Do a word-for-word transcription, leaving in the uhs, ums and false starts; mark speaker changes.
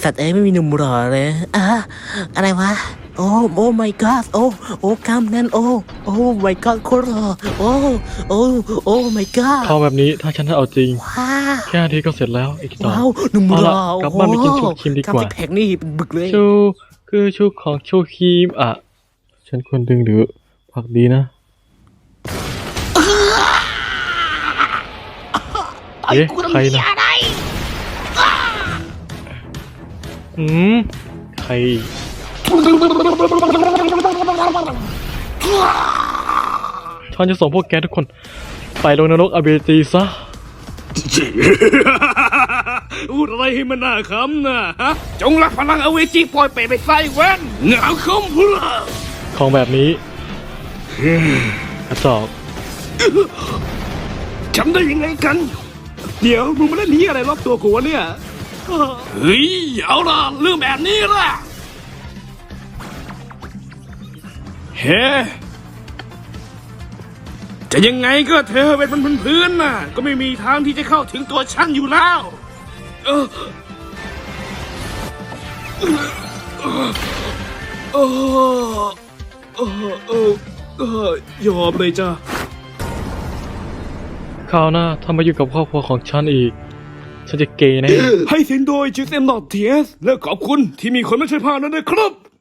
Speaker 1: สัตว์เอ้ยไม่มีหนุ่มหล่อเลยอ่ะอะไรวะโอ้โอ้ my god โอ้โอ้กล้ามแน่นโอ้โอ้ my god โคตรหล่อโอ้โอ้โอ้ my god
Speaker 2: เข้าแบบนี้ถ้าฉันจะเอาจริง
Speaker 1: ว้า
Speaker 2: แค่นาทีก็เสร็จแล้วอีกต่อ
Speaker 1: ว้าวหนุ่มหล่อ
Speaker 2: เอาล่ะกลับบ้านไปกินชูครีมดีกว่า
Speaker 1: ล้ามซิกแพคนี่เป็นบึกเลย
Speaker 2: ชูคือชูของชูครีมอ่ะฉันควรดึงหรือผักดีนะเอ๊ะใครนะอืมใครฉันจะส่งพวกแกทุกคนไปลงนรกอเบจีซะ
Speaker 3: พูดอะไรให้มันน่าขำนะฮะจงรักพลังอเวจีปล่อยเปรตไปใส่แว่นเหงาคมพูด
Speaker 2: ของแบบนี้กระจอก
Speaker 3: จำได้ยังไงกัน เดี๋ยวมึงมาเล่นนี้อะไรรอบตัวกูวะเนี่ยเฮ้ยเอาล่ะเรื่องแบบนี้ล่ะเฮ้จะยังไงก็เธอเป็นบนพื้นน่ะก็ไม่มีทางที่จะเข้าถึงตัวฉันอยู่แล้วเออเออเออเออเออยอมเลยจ้ะ
Speaker 2: คราวหน้าถ้ามาอยู่กับครอบครัวของฉันอีก ฉันจะเกย์แน่
Speaker 3: ให้เสียงโดยจิเซมนอตเทียสและขอบคุณที่มีคนมาช่วยพานั้นนะครับ